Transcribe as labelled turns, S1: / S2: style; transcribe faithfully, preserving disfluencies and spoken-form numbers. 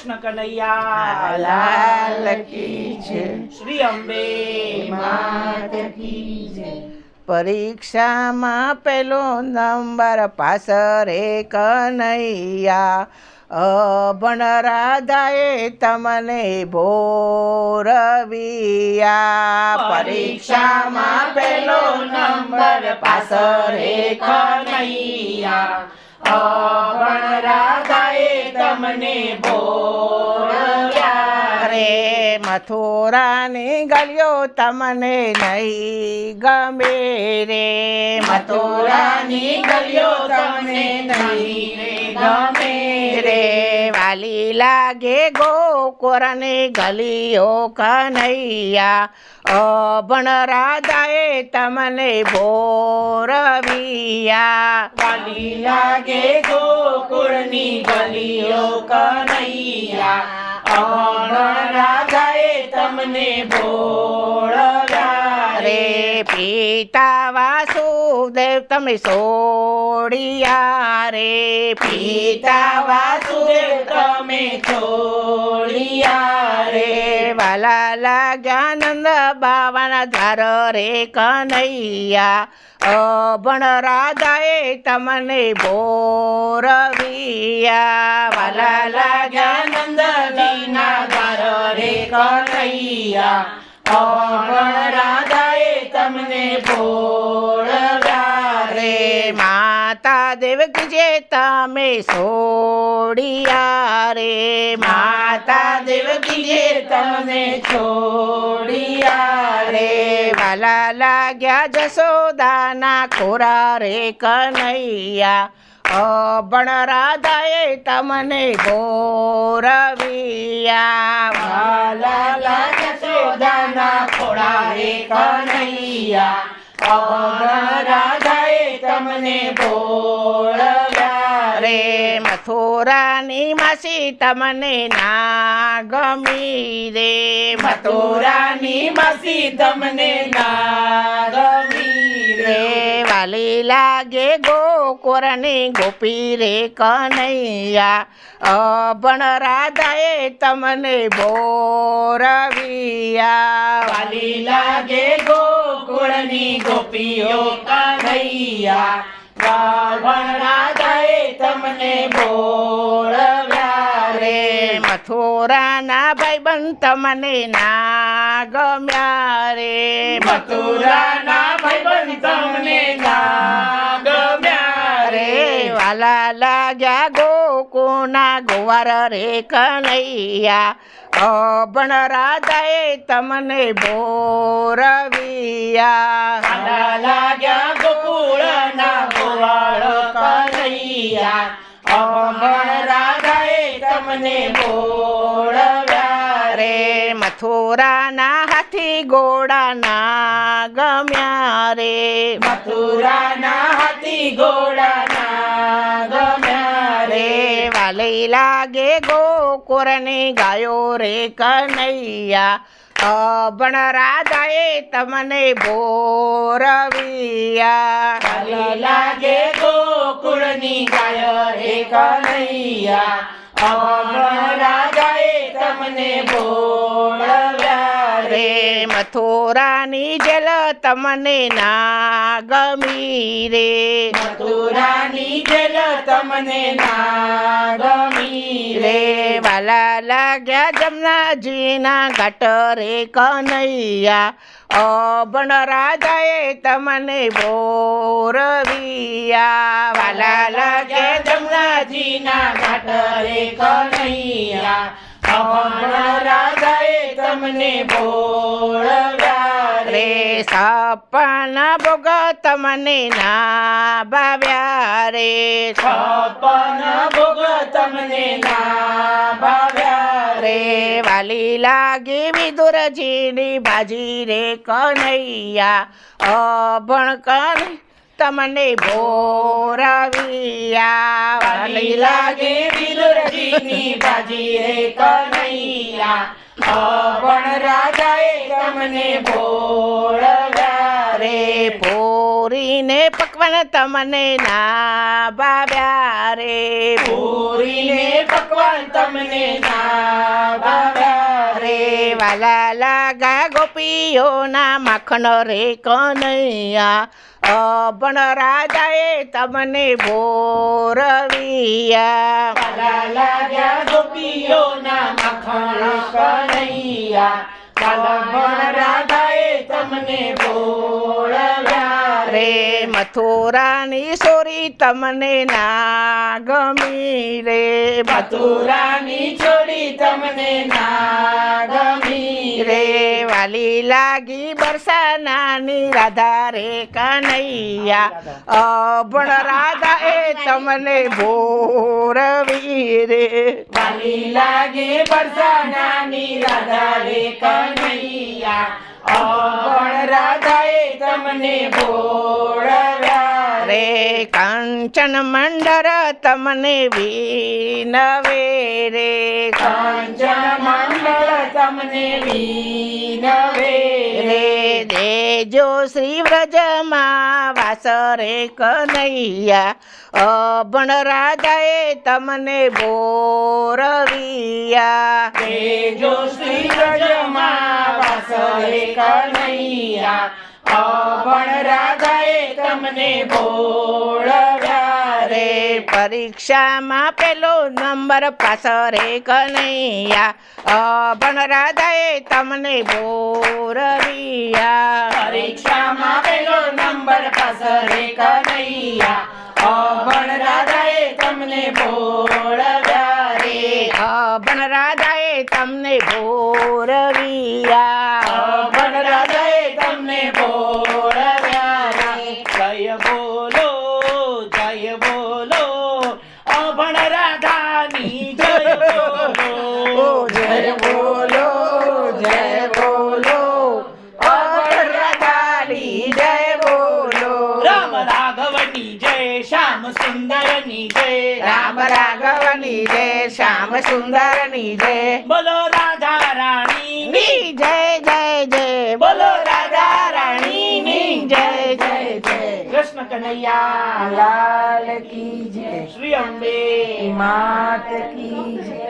S1: કૃષ્ણ કનૈયા
S2: લાલ કી જય.
S1: શ્રી અંબે
S2: માત કી જય. પરીક્ષામાં પેલો નંબર પાસ રે કનૈયા, અભણ રાધાએ તમને ભોરવિયા.
S1: પરીક્ષામાં પેલો નંબર પાસ રે કનૈયા, અભણ રાધાએ તમને ભોરવ્યા
S2: રે. મથુરાની ગલીઓ તમને નહીં ગમે રે.
S1: મથુરાની ગલીઓ તમને નહીં રે ગમે
S2: રે. વાલી લાગે ગોકુળની ગલીઓ કનૈયા, અભણ રાધાએ તમને ભોરવિયા.
S1: વાલી લાગે ગોકુળની ગલીઓ કનૈયા, અભણ રાધાએ તમને ભોળવ્યા
S2: રે. પિતા વાસુદેવ તમે છોડિયા રે.
S1: પિતા વાસુદેવ તમે છોડિયા રે.
S2: વાલા લાગ્યા નંદ બાવાના ધાર રે કનૈયા, અભણ રાધાએ તમને ભોરવિયા.
S1: વાલા લાગ્યા નંદજીના ધાર રે કનૈયા, અભણ રાધાએ તમને ભોળવ્યા
S2: રે. માતા દેવકી જે તમે છોડિયા રે.
S1: માતા દેવકી જે તમને છોડિયા રે.
S2: વાલા લાગ્યા જશોદાના ખોરા રે કનૈયા, અભણ રાધાએ તમને ભોરવિયા.
S1: વાલા લાગ્યા જશોદાના ખોળા રે કનૈયા, અભણ રાધાએ તમને ભોળવ્યા
S2: રે. મથુરાની માસી તમને ના ગમી રે.
S1: મથુરાની માસી તમને ના ગમી રે.
S2: વાલી લાગે ગોકુળની ગોપી રે કનૈયા, અભણ રાધાએ તમને ભોરવિયા.
S1: વાલી લાગે ગોકુળની ગોપીઓ કનૈયા, અભણ રાધાએ તમને ભોળવ્યા રે.
S2: મથુરાના ભાઈબંધ તમને ના ગમ્યા રે.
S1: મથુરાના ભાઈબંધ તમને ના ગમ્યા રે.
S2: વાલા લાગ્યા ગોકુળના ગોવાર રે કનૈયા, અભણ રાધાએ તમને ભોરવિયા.
S1: વાલા લાગ્યા ગોકુળના ગોવાળ કનૈયા, અભણ રાધાએ તમને ભોળવ્યા
S2: રે. મથુરાના હાથી ઘોડા ના ગમ્યા રે.
S1: મથુરાના હાથી ઘોડા ના ગમ્યા રે.
S2: વાલી લાગે ગોકુળની ગાયો રે કનૈયા, અભણ રાધાએ તમને ભોરવિયા.
S1: વાલી લાગે ગોકુળની ગાય રે કનૈયા, અભણ રાધાએ તમને ભોળવ્યા રે.
S2: મથુરાની જેલ તમને ના ગમી રે.
S1: મથુરાની જેલ તમને ના ગમી રે.
S2: વાલા લાગ્યા જમનાજીના ઘાટ રે કનૈયા, અભણ રાધાએ તમને ભોરવિયા.
S1: વાલા લાગે જમનાજીના ઘાટ રે કનૈયા, અભણ રાધાએ તમને ભોળવ્યા રે.
S2: સપન ભોગ તમને ના ભાવ્યા રે.
S1: છપ્પન ભોગ તમને ના ભાવ્યા રે.
S2: વાલી લાગી વિદુરજીની ભાજી રે કનૈયા, અભણ કન તમને ભોરવિયા.
S1: વાલી લાગે વિદુરજીની ભાજી રે કનૈયા, અભણ રાધાએ તમને ભોળવ્યા રે.
S2: પૂરીને પકવાન તમને ના ભાવ્યા રે.
S1: પૂરીને પકવાન તમને ના
S2: વાલા લાગા ગોપીઓના માખણ રે કનૈયા અભણ રાજાએ તમને ભોરવિયા
S1: વાલા લાગ્યા ગોપીઓના મખણ કનૈયા કાલભણ રાધાએ તમને બોળવ્યા
S2: રે મથુરાની સોરી તમને ના ગમી રે
S1: મથુરાની છોડી તમને ના ગમી
S2: રે વાલી લાગી બરસાનાની રાધા રે કનૈયા અભણ રાધા એ તમને ભોરવી રે
S1: વાલી લાગે બરસાનાની રાધા રે કનૈયા અભણ રાધાએ તમને બોળવ્યા
S2: રે કંચન મંડર તમને વિનવે રે
S1: કંચન મંડળ તમને વિનવે
S2: રે દેજો શ્રી વ્રજમાં વાસ રે કનૈયા અભણ રાજાએ તમને બોરવિયા
S1: તેજો શ્રી વ્રજમાં વાસ રે કનૈયા અભણ રાધાએ તમને બોળવ્યા
S2: રે પરીક્ષામાં પેલો નંબર પાસ રે કનૈયા અભણ રાધાએ તમને બોરવિયા
S1: પરીક્ષામાં પેલો નંબર પાસ રે કનૈયા અભણ રાધાએ તમને બોળવ્યા રે
S2: અભણ રાધાએ તમને ભોરવિયા
S1: અભણ રાધાએ તમને બોળવ્યા રે જય બોલો જય બોલો અભણ રાધાની જય બોલો
S2: જય બોલો જય બોલો અભણ રાધાની જય બોલો
S1: રામ રાઘવની જય શ્યામ સુંદરની જય
S2: રામ રાઘવની જય શ્યામ સુંદરની જય
S1: બોલો રાધા રાણી
S2: ની જય જય જય બોલો રાધા રાણીની જય જય જય
S1: કૃષ્ણ કનૈયા
S2: લાલ કી જય
S1: શ્રી અંબે
S2: માત કી જય